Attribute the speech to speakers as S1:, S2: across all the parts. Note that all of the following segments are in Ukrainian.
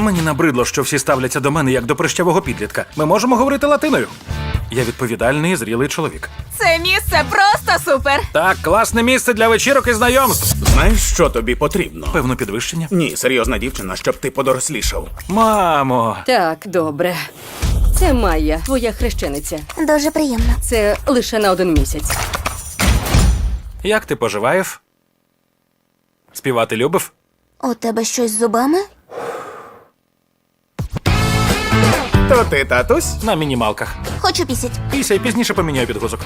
S1: Мені набридло, що всі ставляться до мене як до прищавого підлітка. Ми можемо говорити латиною. Я відповідальний і зрілий чоловік.
S2: Це місце просто супер!
S1: Так, класне місце для вечірок і знайомств.
S3: Знаєш, що тобі потрібно?
S1: Певно, підвищення.
S3: Ні, серйозна дівчина, щоб ти подорослішав.
S1: Мамо!
S4: Так, добре. Це Майя, твоя хрещениця.
S5: Дуже приємно.
S4: Це лише на 1 місяць.
S1: Як ти поживаєш? Співати любив?
S5: У тебе щось з зубами?
S3: То ти, татусь?
S1: На мінімалках.
S5: Хочу пісять.
S1: Після пізніше поміняю підгузок.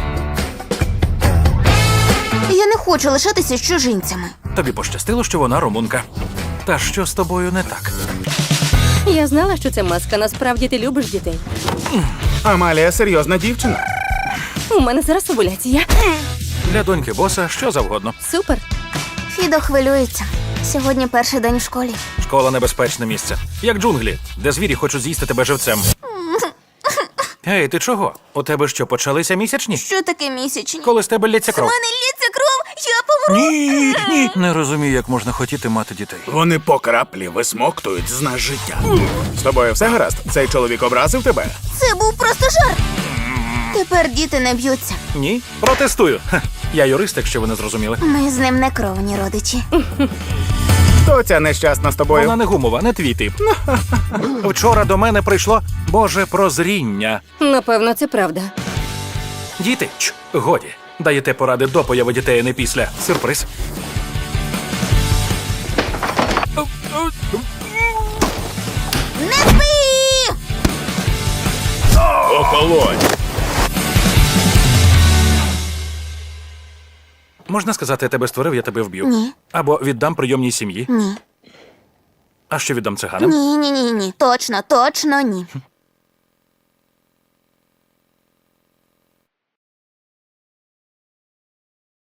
S5: Я не хочу лишатися з чужинцями.
S1: Тобі пощастило, що вона румунка. Та що з тобою не так?
S4: Я знала, що це маска. Насправді ти любиш дітей.
S3: Амалія серйозна дівчина.
S4: У мене зараз овуляція.
S1: Для доньки боса що завгодно.
S4: Супер.
S5: Фідо хвилюється. Сьогодні перший день в школі.
S1: Школа небезпечне місце. Як джунглі, де звірі хочуть з'їсти тебе живцем. Ей, ти чого? У тебе що, почалися місячні?
S5: Що таке місячні?
S1: Коли з тебе лється кров?
S5: мене лється кров, я помру.
S1: Ні. Не розумію, як можна хотіти мати дітей.
S3: Вони по краплі висмоктують з нас життя. З тобою все гаразд? Цей чоловік образив тебе?
S5: Це був просто жарт. Тепер діти не б'ються.
S1: Ні? Протестую. Ха, я юрист, якщо ви не зрозуміли.
S5: Ми з ним не кровні родичі.
S3: Хто ця нещасна з тобою?
S1: Вона не гумова, не твій тип. Вчора до мене прийшло Боже прозріння.
S4: Напевно, це правда.
S1: Діти, годі. Даєте поради до появи дітей, а не після. Сюрприз.
S5: Не спи!
S3: Охолонь!
S1: Можна сказати, я тебе створив, я тебе вб'ю.
S5: Ні.
S1: Або віддам прийомній сім'ї.
S5: Ні.
S1: А що віддам циганам?
S5: Ні. Точно ні.